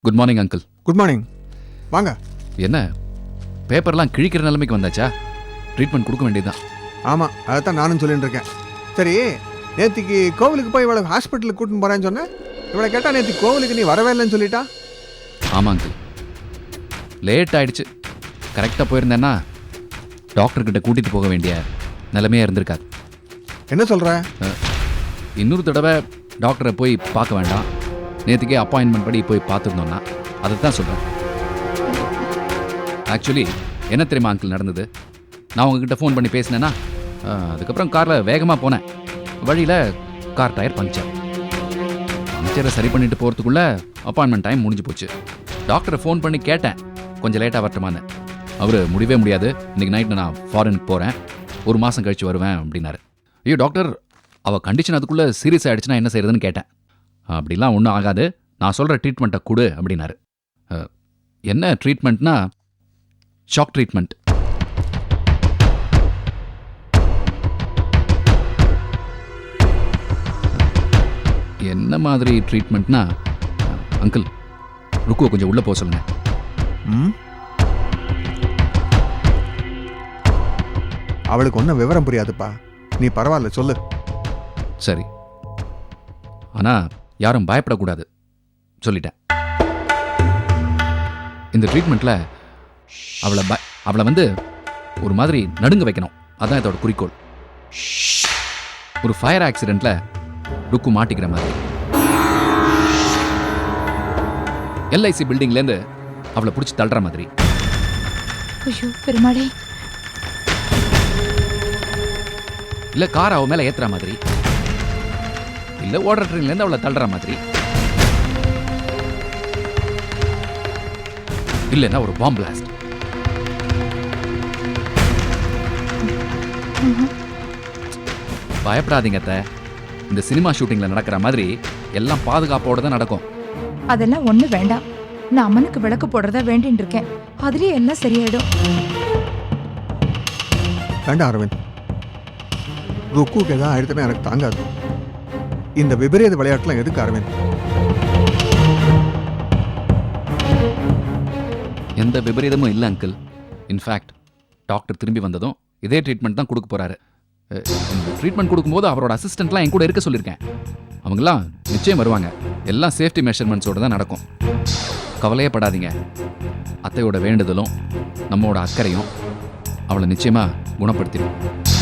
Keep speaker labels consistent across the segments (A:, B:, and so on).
A: Good morning uncle.
B: Good morning. வாங்க.
A: என்ன பேப்பர்லாம் கிழிக்கிற நிலைமைக்கு வந்தாச்சா? ட்ரீட்மெண்ட் கொடுக்க வேண்டியதுதான்.
B: ஆமாம், அதைத்தான் நானும் சொல்லிட்டு இருக்கேன். சரி, நேற்றுக்கு கோவிலுக்கு போய் இவளை ஹாஸ்பிட்டலுக்கு கூட்டின்னு போகிறேன்னு சொன்னேன். இவளை கேட்டால் நேற்று கோவிலுக்கு நீ வரவே இல்லைன்னு சொல்லிட்டா.
A: ஆமாம் அங்கிள், லேட் ஆயிடுச்சு. கரெக்டாக போயிருந்தேன்னா டாக்டர்கிட்ட கூட்டிகிட்டு போக வேண்டிய நிலைமையாக இருந்திருக்காது.
B: என்ன சொல்கிற?
A: இன்னொரு தடவை டாக்டரை போய் பார்க்க வேண்டாம், நேற்றுக்கே அப்பாயின்மெண்ட் படி போய் பார்த்துருந்தோன்னா அதை தான் சொல்கிறேன். ஆக்சுவலி என்ன தெரியுமா அங்கிள் நடந்தது? நான் உங்ககிட்ட ஃபோன் பண்ணி பேசினேன்னா, அதுக்கப்புறம் காரில் வேகமாக போனேன். வழியில் கார் டயர் பஞ்சரை சரி பண்ணிட்டு போகிறதுக்குள்ளே அப்பாயின்மெண்ட் டைம் முடிஞ்சு போச்சு. டாக்டரை ஃபோன் பண்ணி கேட்டேன் கொஞ்சம் லேட்டாக வரட்டுமான்னு. அவர் முடியவே முடியாது, இன்றைக்கி நைட்டு நான் ஃபாரினுக்கு போகிறேன், 1 மாதம் கழித்து வருவேன் அப்படின்னாரு. ஐயோ டாக்டர், அவள் கண்டிஷன் அதுக்குள்ளே சீரியஸ் ஆகிடுச்சுன்னா என்ன செய்யறதுன்னு கேட்டேன். அப்படிலாம் ஒன்றும் ஆகாது, நான் சொல்கிற ட்ரீட்மெண்ட்டை கொடு அப்படின்னாரு. என்ன ட்ரீட்மெண்ட்னா ஷாக் ட்ரீட்மெண்ட். என்ன மாதிரி ட்ரீட்மெண்ட்னா, அங்கிள் ருக்குவை கொஞ்சம் உள்ளே போக சொல்லுங்க.
B: அவளுக்கு ஒன்றும் விவரம் புரியாதுப்பா, நீ பரவாயில்ல சொல்லு.
A: சரி, ஆனால் யாரும் பயப்படக்கூடாது சொல்லிட்டேன். இந்த ட்ரீட்மெண்ட்டில் அவளை வந்து ஒரு மாதிரி நடுங்க வைக்கணும், அதான் இதோட குறிக்கோள். ஒரு ஃபயர் ஆக்சிடெண்ட்டில் ருக்கு மாட்டிக்கிற மாதிரி. எல்ஐசி பில்டிங்லேருந்து அவளை பிடிச்சி தள்ளுற மாதிரி.
C: ஐயோ பெருமாளே.
A: இல்லை கார் அவ மேலே ஏற்றுற மாதிரி, இல்லை ஓடுற ட்ரெயின்லேருந்து அவளை தள்ளுற மாதிரி, இல்லைன்னா ஒரு பாம்பு பிளாஸ்ட். பயப்படாதீங்க அத்தை, இந்த சினிமா ஷூட்டிங்ல நடக்கிற மாதிரி எல்லாம் பாதுகாப்போட தான் நடக்கும்.
C: அதெல்லாம் ஒண்ணு வேண்டாம், நான் அம்மனுக்கு விளக்கு போடுறதா வேண்டின்னு இருக்கேன், அதுலயே எல்லாம் சரியாயிடும்.
B: வேண்டாம் அரவிந்த், ருக்குக்கு எதாவது ஆயிடுத்துனா எனக்கு தாங்காது. இந்த விபரீத விளையாட்டுலாம் எதுக்கு அரவிந்த்?
A: எந்த விபரீதமும் இல்லை அங்கிள். இன்ஃபேக்ட் டாக்டர் திரும்பி வந்ததும் இதே ட்ரீட்மெண்ட் தான் கொடுக்க போறாரு. ட்ரீட்மெண்ட் கொடுக்கும்போது அவரோட அசிஸ்டன்ட்லாம் என் கூட இருக்க சொல்லியிருக்கேன். அவங்களாம் நிச்சயம் வருவாங்க. எல்லாம் சேஃப்டி மெஷர்மெண்ட்ஸோடு தான் நடக்கும். கவலையே படாதீங்க. அத்தையோட வேண்டுதலும் நம்மளோட அக்கறையும் அவளை நிச்சயமா குணப்படுத்திடும்.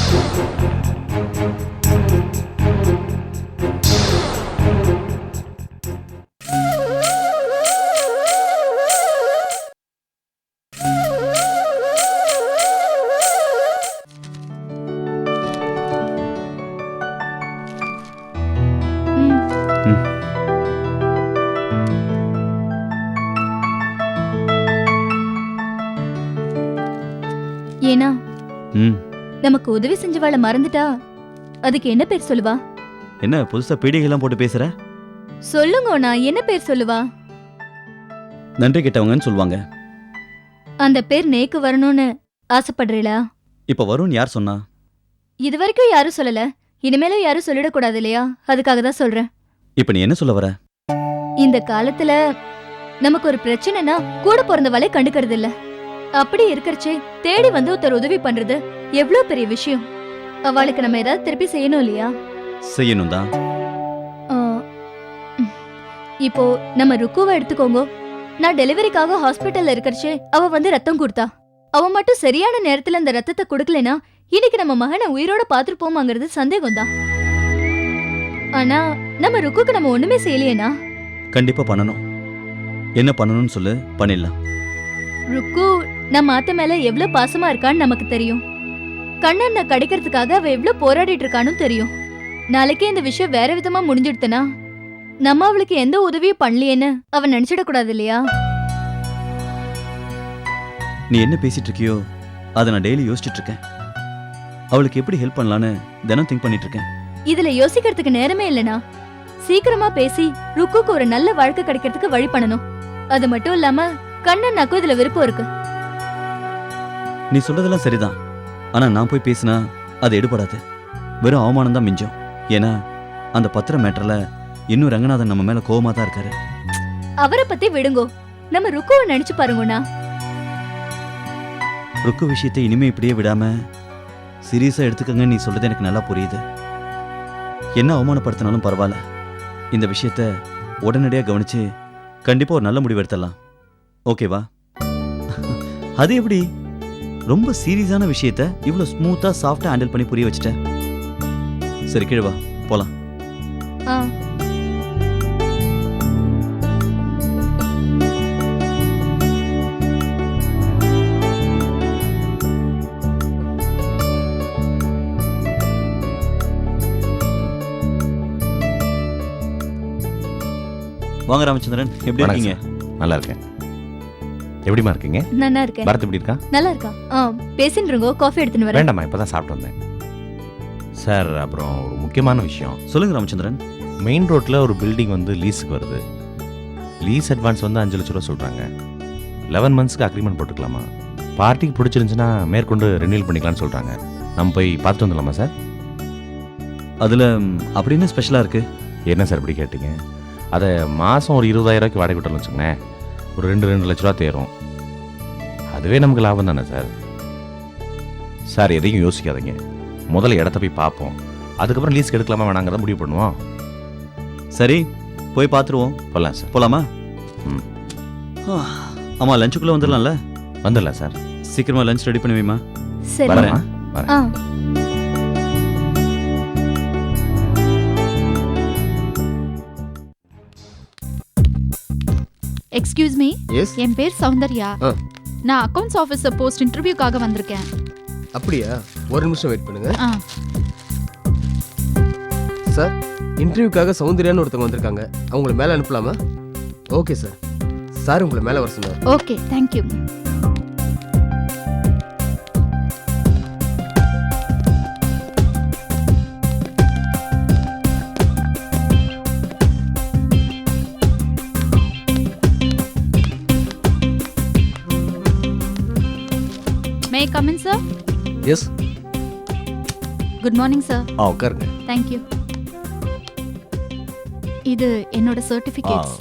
D: ஏனா நமக்கு உதவி செஞ்சவாள மறந்துட்டா அதுக்கு என்ன பேர் சொல்லுவா?
E: என்ன புதுசா பீடிகைலாம் போட்டு பேசுற?
D: சொல்லுங்க, நான் என்ன பேர் சொல்லுவா?
E: நன்றி கிட்டவங்கன்னு சொல்லுவாங்க.
D: அந்த பேர் நேக்கு வரணும்னு ஆசைப்படுறீளா?
E: இப்ப வரும்னு யார் சொன்னா?
D: இது வரைக்கும் யாரும் சொல்லல, இனிமேலும் யாரும் சொல்லிடக்கூடாது இல்லையா? அதுக்காக தான் சொல்றேன்.
E: இப்ப நீ என்ன சொல்ல வர?
D: இந்த காலத்துல நமக்கு ஒரு பிரச்சனைனா கூட பிறந்தவாளே கண்டுக்கிறது இல்ல. அப்படி இருக்கறச்சே தேடி வந்து ஒருத்தர் உதவி பண்றது எவ்வளவு பெரிய விஷயம். அவளுக்கு நம்ம ஏதாவது திருப்பி செய்யணும் இல்லையா?
E: செய்யணும் தான்.
D: இப்போ நம்ம ருக்குவை எடுத்துக்கோங்க. நான் டெலிவரிக்காக ஹாஸ்பிட்டல்ல இருக்கறச்சே அவ வந்து ரத்தம் கொடுத்தா. அவ மட்டும் சரியான நேரத்துல அந்த ரத்தத்தை கொடுக்கலனா இன்னைக்கு நம்ம மகனை உயிரோட பாத்துருப்போமாங்கிறது சந்தேகம் தான். ஆனா நம்ம ருக்குக்கு நம்ம ஒண்ணுமே செய்யலையேனா?
E: கண்டிப்பா பண்ணணும். என்ன பண்ணணும்னு சொல்லு, பண்ணிடலாம்.
D: ருக்கு நம்ம அத்தை மேல எவ்வளவு பாசமா இருக்கான்னு நமக்கு தெரியும். கண்ணனை கிடைக்கிறதுக்காக அவ எவ்வளவு போராடிட்டு இருக்கான்னு தெரியும். நாளைக்கே இந்த விஷயம் வேற விதமா முடிஞ்சிடுத்துனா நம்ம அவளுக்கு எந்த உதவியும் பண்ணலையேன்னு அவ நினைச்சிடக்கூடாது இல்லையா?
E: நீ என்ன பேசிட்டு இருக்கியோ அதை நான் டெய்லி யோசிச்சுட்டு இருக்கேன். அவளுக்கு எப்படி ஹெல்ப் பண்ணலான்னு தினம் திங்க் பண்ணிட்டு இருக்கேன்.
D: இதுல யோசிக்கிறதுக்கு நேரமே இல்லனா. சீக்கிரமா பேசி ருக்குக்கு ஒரு நல்ல வாழ்க்கை கிடைக்கிறதுக்கு வழி பண்ணணும். அது மட்டும் இல்லாம கண்ணனாக்கும் இதுல விருப்பம் இருக்கு.
E: நீ சொல்றதெல்லாம் சரிதான், ஆனா நான் போய் பேசினா அது எடுபடாது. வெறும் அவமானம் தான் மிஞ்சம். ஏன்னா அந்த பத்திர மேட்டர்ல இன்னும் ரங்கநாதன் நம்ம மேல கோவமா தான் இருக்காரு.
D: அவரை பத்தி விடுங்கோ, நம்ம ருக்குவை நினைச்சு பாருங்கண்ணா.
E: ருக்கு விஷயத்தை இனிமே இப்படியே விடாம சீரியஸா எடுத்துக்கங்க. நீ சொல்றது எனக்கு நல்லா புரியுது. என்ன அவமானப்படுத்தினாலும் பரவாயில்ல, இந்த விஷயத்த உடனடியாக கவனிச்சு கண்டிப்பா ஒரு நல்ல முடிவு எடுத்துடலாம். ஓகேவா? அது எப்படி ரொம்ப சீரியஸான விஷயத்த இவ்வளோ ஸ்மூத்தா சாஃப்டா ஹேண்டில் பண்ணி புரிய வச்சுட்ட? சரி, கீழே வா, போலாம்.
D: ஆ.
E: வாங்க ராமச்சந்திரன், எப்படி இருக்கீங்க?
F: நல்லா இருக்கேன். எப்படிமா இருக்கீங்க?
D: நல்லா இருக்கேன்.
F: பரத் எப்படி இருக்கா?
D: நல்லா இருக்கா? பேசின்னு இருங்கோ, காஃபி எடுத்துன்னு வரேன்.
F: வேண்டாம்மா, இப்பதான் சாப்பிட்டு வந்தேன். சார், அப்புறம் ஒரு முக்கியமான விஷயம்.
E: சொல்லுங்க ராமச்சந்திரன்.
F: மெயின் ரோட்ல ஒரு பில்டிங் வந்து லீஸுக்கு வருது. லீஸ் அட்வான்ஸ் வந்து 5 லட்ச ரூபா சொல்றாங்க. 11 மந்த்ஸ்க்கு அக்ரிமெண்ட் போட்டுக்கலாமா? பார்ட்டிக்கு பிடிச்சிருந்துச்சுன்னா மேற்கொண்டு ரெனியூல் பண்ணிக்கலாம்னு சொல்றாங்க. நம்ம போய் பார்த்துட்டு வந்துடலாமா சார்?
E: அதுல அப்படின்னு ஸ்பெஷலா இருக்கு.
F: என்ன சார் இப்படி கேட்டீங்க? அதை மாதம் ஒரு 20,000 ரூபாய்க்கு வாடகை விட்டோம்னு வச்சுக்கோங்களேன், ஒரு 2 லட்ச ரூபா தேரும். அதுவே நமக்கு லாபம் தானே சார்? சார், எதையும் யோசிக்காதீங்க. முதல்ல இடத்த போய் பார்ப்போம், அதுக்கப்புறம் லீஸ்க்கு எடுக்கலாமா வேணாங்கிறத முடிவு பண்ணுவோம்.
E: சரி, போய் பார்த்துருவோம்.
F: போகலாம் சார்.
E: போலாமா?
F: ம்,
E: ஆமா, லஞ்சுக்குள்ள வந்துடலாம்ல?
F: வந்துடலாம் சார்.
E: சீக்கிரமா லஞ்ச் ரெடி பண்ணி வைமா.
D: சரி.
F: வரேன்.
D: ஆ.
G: Excuse me,
H: yes.
G: என் பேர் சௌந்தர்யா.
H: ஆ.
G: நான் அக்கவுண்ட்ஸ் ஆஃபீஸர் போஸ்ட் இன்டர்வியூக்காக வந்திருக்கேன்.
H: அப்படியா? ஒரு நிமிஷம் வெயிட் பண்ணுங்க.
G: ஆ.
H: சார், இன்டர்வியூக்காக சௌந்தர்யான்னு ஒருத்தவங்க வந்திருக்காங்க. அவங்கள மேலே அனுப்பலாமா? Okay sir. சார், உங்களை மேலே வர சொன்னார்.
G: Okay, thank you. May I come in sir?
H: Yes.
G: Good morning sir.
H: உட்காருங்க.
G: தேங்க்யூ. இது என்னோட சர்டிஃபிகேட்ஸ்.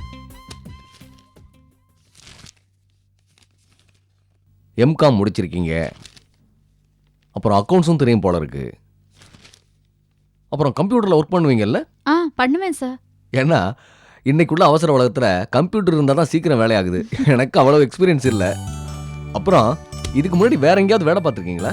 H: எம்காம் முடிச்சிருக்கீங்க, அப்புறம் அக்கௌண்ட்ஸும் தெரியும் போல இருக்கு. அப்புறம் கம்ப்யூட்டரில் ஒர்க் பண்ணுவீங்கல்ல?
G: பண்ணுவேன் சார்.
H: ஏன்னா இன்னைக்குள்ள அவசர உலகத்தில் கம்ப்யூட்டர் இருந்தால் தான் சீக்கிரம் வேலையாகுது. எனக்கு அவ்வளோ எக்ஸ்பீரியன்ஸ் இல்லை. அப்புறம் இதுக்கு முன்னாடி வேற எங்கேயாவது வேலை பார்த்துருக்கீங்களா?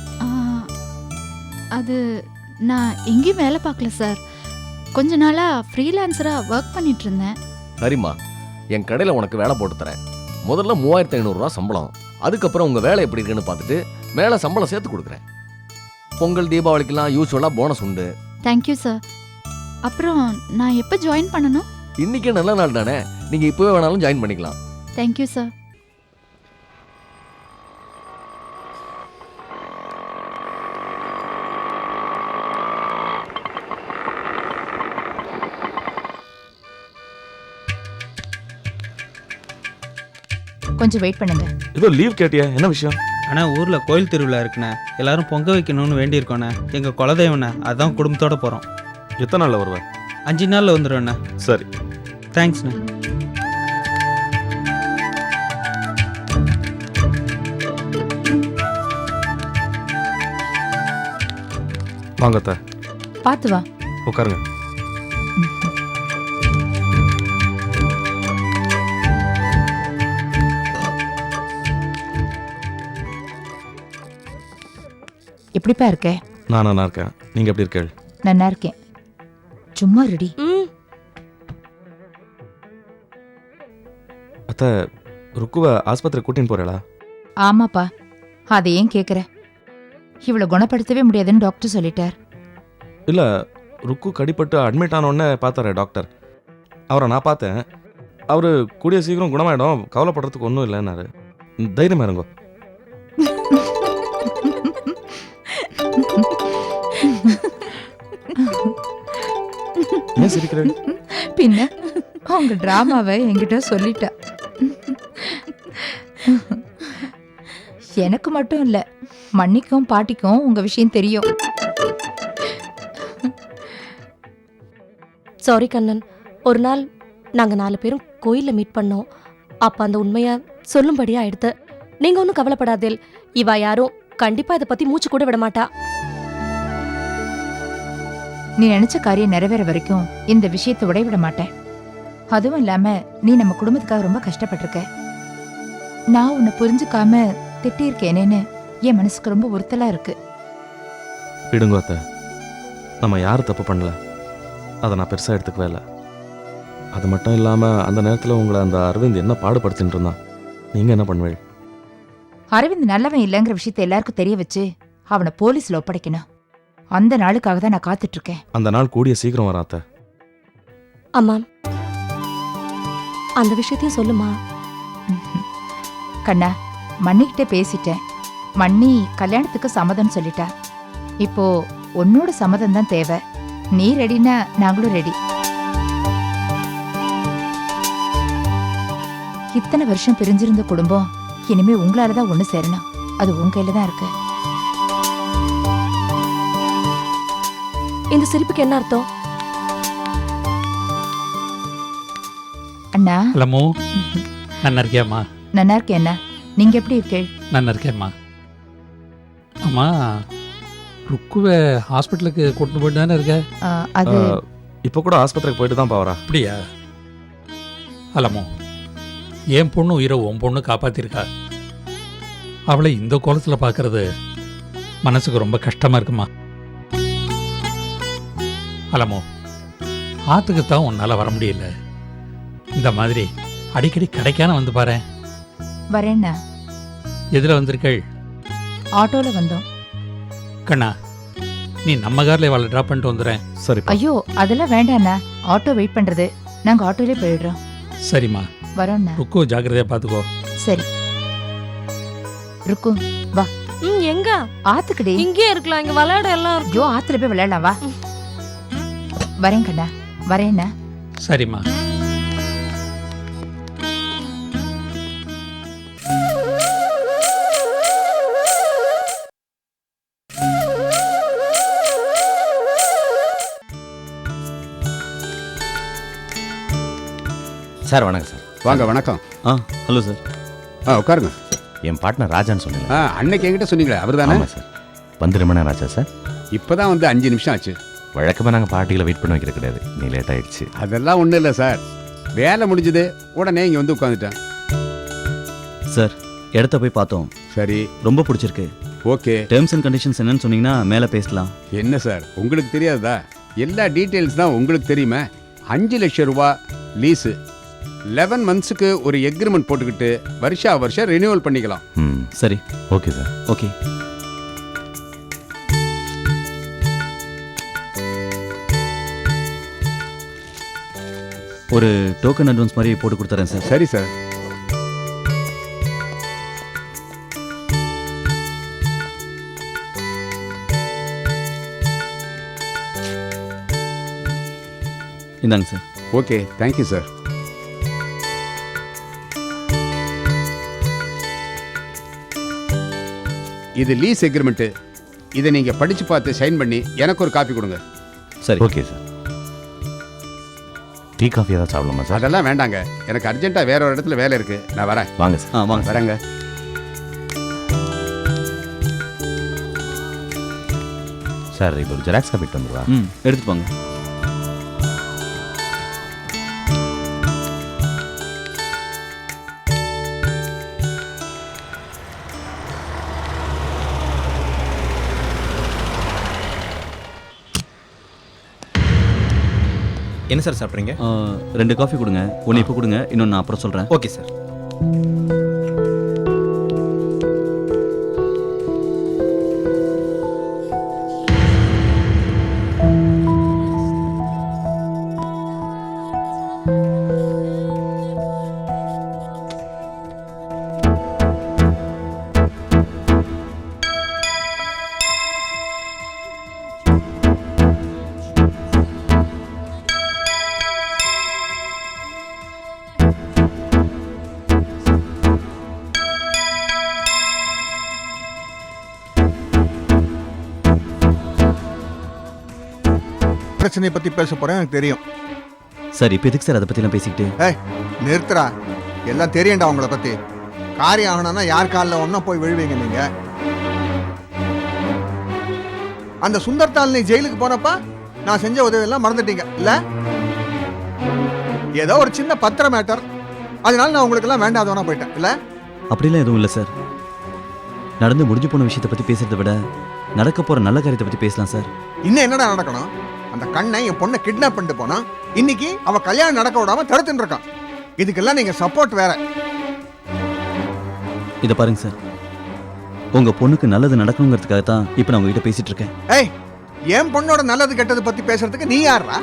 G: அது நான் எங்கேயும் வேலை பார்க்கல சார். கொஞ்ச நாளாக ஃப்ரீலான்சராக ஒர்க் பண்ணிட்டு இருந்தேன்.
H: சரிம்மா, என் கடையில் உனக்கு வேலை போட்டு தரேன். முதல்ல 3500 சம்பளம், அதுக்கப்புறம் உங்கள் வேலை எப்படி இருக்குன்னு பார்த்துட்டு மேலே சம்பளம் சேர்த்து கொடுக்குறேன். பொங்கல் தீபாவளிக்கெல்லாம் யூஸ்வலாக போனஸ் உண்டு.
G: Thank you sir. அப்புறம் நான் எப்போ ஜாயின் பண்ணணும்?
H: இன்னைக்கே நல்ல நாள் தானே, நீங்கள் இப்போவே வேணாலும் ஜாயின் பண்ணிக்கலாம்.
G: Thank you sir.
C: கொஞ்சம் வெயிட் பண்ணுங்க.
F: ஏதோ லீவ் கேட்டியா? என்ன விஷயம்?
I: அண்ணா, ஊரில் கோயில் திருவிழா இருக்குண்ணே, எல்லாரும் பொங்க வைக்கணும்னு வேண்டியிருக்கோண்ணே. எங்கள் குலதெய்வண்ணே, அதான் குடும்பத்தோடு போகிறோம்.
F: எத்தனை நாளில் வருவேன்?
I: 5 நாளில் வந்துடுவேண்ணே.
F: சரி,
I: தேங்க்ஸ்ண்ணே.
F: வாங்கத்த,
C: பார்த்து வா.
F: உட்காருங்க.
C: எப்படிப்பா இருக்க?
F: நான் நல்லா இருக்கேன். நீங்க எப்படி இருக்கீங்க?
C: நல்லா இருக்கேன். சும்மா ரெடி.
F: அத்தை, ருக்குவை ஆஸ்பத்திரி கூட்டின்னு போறேளா?
C: ஆமாப்பா, அதை ஏன் கேட்குற? இவளை குணப்படுத்தவே முடியாதுன்னு டாக்டர் சொல்லிட்டார்.
F: இல்ல, ருக்கு கடிப்பட்டு அட்மிட் ஆனோடனே பார்த்தாரு டாக்டர். அவரை நான் பார்த்தேன். அவரு கூடிய சீக்கிரம் குணமாயிடும், கவலைப்படுறதுக்கு ஒன்றும் இல்லைன்னாரு. தைரியமா இருங்கோ. ஏன் சிரிக்கிறேன்?
C: பின்ன அவங்க டிராமாவை என்கிட்ட சொல்லிட்டா. எனக்கு மட்டும் இல்ல, மன்னிக்கும் பாட்டிக்கும் உங்க விஷயம் தெரியும்.
J: சாரி கண்ணன், ஒரு நாள் நாங்க 4 பேரும் கோயில்ல மீட் பண்ணோம். அப்ப அந்த உண்மைய சொல்லும்படியா ஆயிடுத்து. நீங்க ஒன்றும் கவலைப்படாதேல். இவ யாரும் கண்டிப்பா இதை பத்தி மூச்சு கூட விட மாட்டா.
C: நீ நினைச்ச காரியம் நிறைவேற வரைக்கும் இந்த விஷயத்தை உடைவிட மாட்டேன். அதுவும் இல்லாம நீ நம்ம குடும்பத்துக்காக ரொம்ப கஷ்டப்பட்டிருக்க. நான் உன்னை புரிஞ்சுக்காம திட்டியிருக்கேனேன்னு என் மனசுக்கு ரொம்ப உறுத்தலா இருக்கு.
F: விடுங்க அத்தை, நம்ம யாரும் தப்பு பண்ணல. அதை நான் பெருசாக எடுத்துக்கவே இல்லை. அது மட்டும் இல்லாமல் அந்த நேரத்தில் உங்களை அந்த அரவிந்த் என்ன பாடுபடுத்தின்னு இருந்தான். நீங்கள் என்ன பண்ணுவீங்க?
C: அரவிந்த் நல்லவன் இல்லைங்கிற விஷயத்தை எல்லாருக்கும் தெரிய வச்சு அவனை போலீஸ்ல ஒப்படைக்கணும். அந்த நாளுக்காக தான் நான் காத்துட்டு இருக்கேன்.
F: அந்த நாள் கூடிய சீக்கிரம் வரும் அத்தை.
J: அம்மா, அந்த விஷயத்தையும் சொல்லுமா.
C: கண்ணா, மண்ணிக்கிட்ட பேசிட்டேன். மண்ணி கல்யாணத்துக்கு சம்மதம் சொல்லிட்டா. இப்போ உன்னோட சம்மதம் தான் தேவை. நீ ரெடினா நாங்களும் ரெடி. இத்தனை வருஷம் பிரிஞ்சிருந்த குடும்பம் இனிமே உங்களாலதான் ஒண்ணு சேரணும். அது உங்க கையில தான் இருக்கு.
J: இந்த சிரிப்புக்கு என்ன அர்த்தம்?
C: அண்ணா.
K: ஹலோ, நல்லா இருக்கியாம்மா?
C: நல்லா இருக்கேன் அண்ணா. நீங்க எப்படி இருக்கீள்?
K: நல்லா இருக்கேம்மா. அம்மா, ருக்குவை ஹாஸ்பிட்டலுக்கு கூட்டிட்டு போயிட்டு தானே இருக்க?
C: அது
F: இப்போ கூட ஆஸ்பத்திரிக்கு போயிட்டு தான் போகிறா.
K: அப்படியா? அலமோ, என் பொண்ணு உயிரை உன் பொண்ணு காப்பாத்திருக்கா. அவளை இந்த கோலத்தில் பார்க்கறது மனசுக்கு ரொம்ப கஷ்டமா இருக்குமா. அலமோ, ஆத்துக்கு தான் உன்னால வர முடியல. இந்த மாதிரி அடிக்கடி கடைக்கான வந்து பாரு.
C: வரேண்ணா.
K: எதில் வந்திருக்கள்?
C: ஆட்டோல வந்தோம்.
K: கண்ணா, நீ நம்ம கார்ல அவளை ட்ராப் பண்ணிட்டு வந்துடுறேன்.
F: சரி.
C: ஐயோ, அதெல்லாம் வேண்டாண்ணா. ஆட்டோ வெயிட் பண்றது. நாங்க ஆட்டோலே போயிடுறோம்.
K: சரிம்மா,
C: வரோண்ணா.
K: ருக்கு ஜாக்கிரதையா பார்த்துக்கோ.
C: சரி ருக்கு, வா.
J: எங்க?
C: ஆத்துக்குடி.
J: இங்கே இருக்கலாம், இங்க விளையாட எல்லாம் இருக்கு.
C: ஐயோ, ஆத்துல போய் விளையாடலாம், வா. வரேன் கண்ணா, வரேண்ணா.
K: சரிம்மா.
H: சார் வணக்கம் சார்.
L: வாங்க. வணக்கம்.
E: Hello sir.
L: உட்காருங்க.
F: என் பார்ட்னர் ராஜான்னு சொன்னீங்க.
L: அன்னைக்கு என்கிட்ட சொன்னீங்களே அவர் தானே?
F: ஆமாம் சார். வந்து ரொம்ப நேரம் ஆச்சா சார்?
L: இப்போதான் வந்து 5 நிமிஷம் ஆச்சு.
F: வழக்கமாக நாங்கள் பார்ட்டியில் வெயிட் பண்ண வைக்கிறது கிடையாது. நீ லேட் ஆகிடுச்சு.
L: அதெல்லாம் ஒன்றும் இல்லை சார். வேலை முடிஞ்சது உடனே இங்கே வந்து உட்காந்துட்டேன்.
E: சார், இடத்த போய் பார்த்தோம்.
L: சரி,
E: ரொம்ப பிடிச்சிருக்கு.
L: ஓகே.
E: டேர்ம்ஸ் அண்ட் கண்டிஷன்ஸ் என்னன்னு சொன்னீங்கன்னா மேலே பேசலாம்.
L: என்ன சார், உங்களுக்கு தெரியாதா? எல்லா டீட்டெயில்ஸ் தான் உங்களுக்கு தெரியுமா? 5 லட்சம் ரூபா லீஸு, 11 மந்த்ஸுக்கு ஒரு எக்ரிமெண்ட் போட்டுக்கிட்டு வருஷம் ரினியூவல் பண்ணிக்கலாம்.
E: சரி,
F: ஓகே சார்.
E: ஓகே. ஒரு டோக்கன் அட்வான்ஸ் மாதிரி போட்டு கொடுத்துறேன் சார்.
L: சரி சார்.
E: இந்தாங்க சார்.
L: Okay, thank you sir. இது லீஸ் எக்ரிமெண்ட்டு. இதை நீங்கள் படித்து பார்த்து சைன் பண்ணி எனக்கு ஒரு காப்பி கொடுங்க.
E: சரி,
F: ஓகே சார். டீ காஃபி ஏதாவது சாப்பிடலாமா சார்?
L: அதெல்லாம் வேண்டாங்க, எனக்கு அர்ஜென்ட்டாக வேற ஒரு இடத்துல வேலை இருக்குது. நான் வரேன்.
F: வாங்க சார்.
E: வாங்க.
L: வரேங்க.
F: சார், இது ஒரு ஜெராக்ஸ் காப்பி வந்துடுவா?
E: எடுத்துட்டு போங்க.
I: என்ன சார் சாப்பிட்றீங்க?
E: 2 காஃபி கொடுங்க. ஒன்று இப்போ கொடுங்க, இன்னொன்று நான் அப்புறம் சொல்கிறேன்.
I: Okay sir.
B: பிரச்சனையை பற்றி பேச போகிறேன், எனக்கு தெரியும்.
E: சார் இப்போ எதுக்கு சார் அதை பற்றிலாம் பேசிக்கிட்டு?
B: ஏய் நிறுத்துறா, எல்லாம் தெரியண்டா உங்களை பத்தி. காரியம் ஆகணும்னா யார் காலில் ஒன்றா போய் விழுவீங்க நீங்க. அந்த சுந்தர்தால் நீ ஜெயிலுக்கு போனப்ப நான் செஞ்ச உதவியெல்லாம் மறந்துட்டீங்க இல்ல? ஏதோ ஒரு சின்ன பத்திர மேட்டர், அதனால நான் உங்களுக்கு எல்லாம் வேண்டாதவனா போயிட்டேன் இல்ல?
E: அப்படிலாம் எதுவும் இல்லை சார். நடந்து முடிஞ்சு போன விஷயத்தை பற்றி பேசுறதை விட நடக்க போகிற நல்ல காரியத்தை பற்றி பேசலாம் சார்.
B: இன்னும் என்னடா நடக்கணும்? அந்த கண்ணை என் பொண்ணை கிட்னாப் பண்ணிட்டு போனா இன்னைக்கு அவ கல்யாணம் நடக்க விடாம தடுத்துட்டு இருக்கான். இதுக்கெல்லாம் நீங்க சப்போர்ட் வேற.
E: இதை பாருங்க சார், உங்கள் பொண்ணுக்கு நல்லது நடக்கணுங்கிறதுக்காக தான் இப்போ நான் உங்ககிட்ட பேசிட்டு இருக்கேன்.
B: ஏய், என் பொண்ணோட நல்லது கெட்டது பத்தி பேசுறதுக்கு நீ யாரா?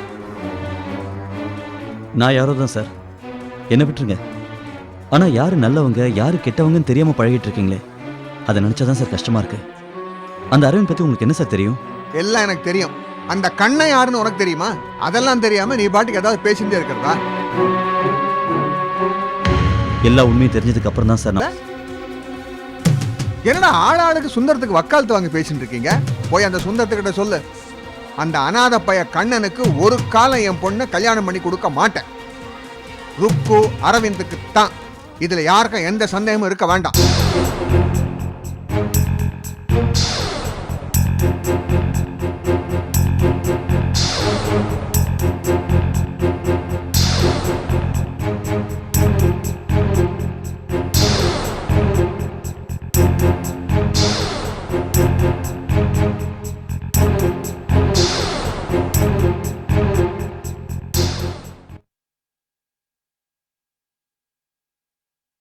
E: நான் யாரோ தான் சார், என்ன விட்டுருங்க. ஆனால் யார் நல்லவங்க யார் கெட்டவங்கன்னு தெரியாமல் பழகிட்டு இருக்கீங்களே, அதை நினச்சா தான் சார் கஷ்டமாக இருக்கு. அந்த அரவிந்த் பற்றி உங்களுக்கு என்ன சார் தெரியும்?
B: எல்லாம் எனக்கு தெரியும். அந்த கண்ணை யாருன்னு உனக்கு தெரியுமா? அதெல்லாம் தெரியாம நீ பாட்டுக்கு ஏதாவது பேசிட்டே இருக்கிறதா?
E: எல்லா உண்மையும் தெரிஞ்சதுக்கு அப்புறம் தான் சார் நான்
B: என்னடா ஆளாளுக்கு சுந்தரத்துக்கு வக்காலத்து வாங்கி பேசிட்டு இருக்கீங்க? போய் அந்த சுந்தரத்துக்கிட்ட சொல்லு, அந்த அநாத பைய கண்ணனுக்கு ஒரு காலம் என் பொண்ணை கல்யாணம் பண்ணி கொடுக்க மாட்டேன். ருக்கு அரவிந்துக்கு தான். இதுல யாருக்கும் எந்த சந்தேகமும் இருக்க வேண்டாம்.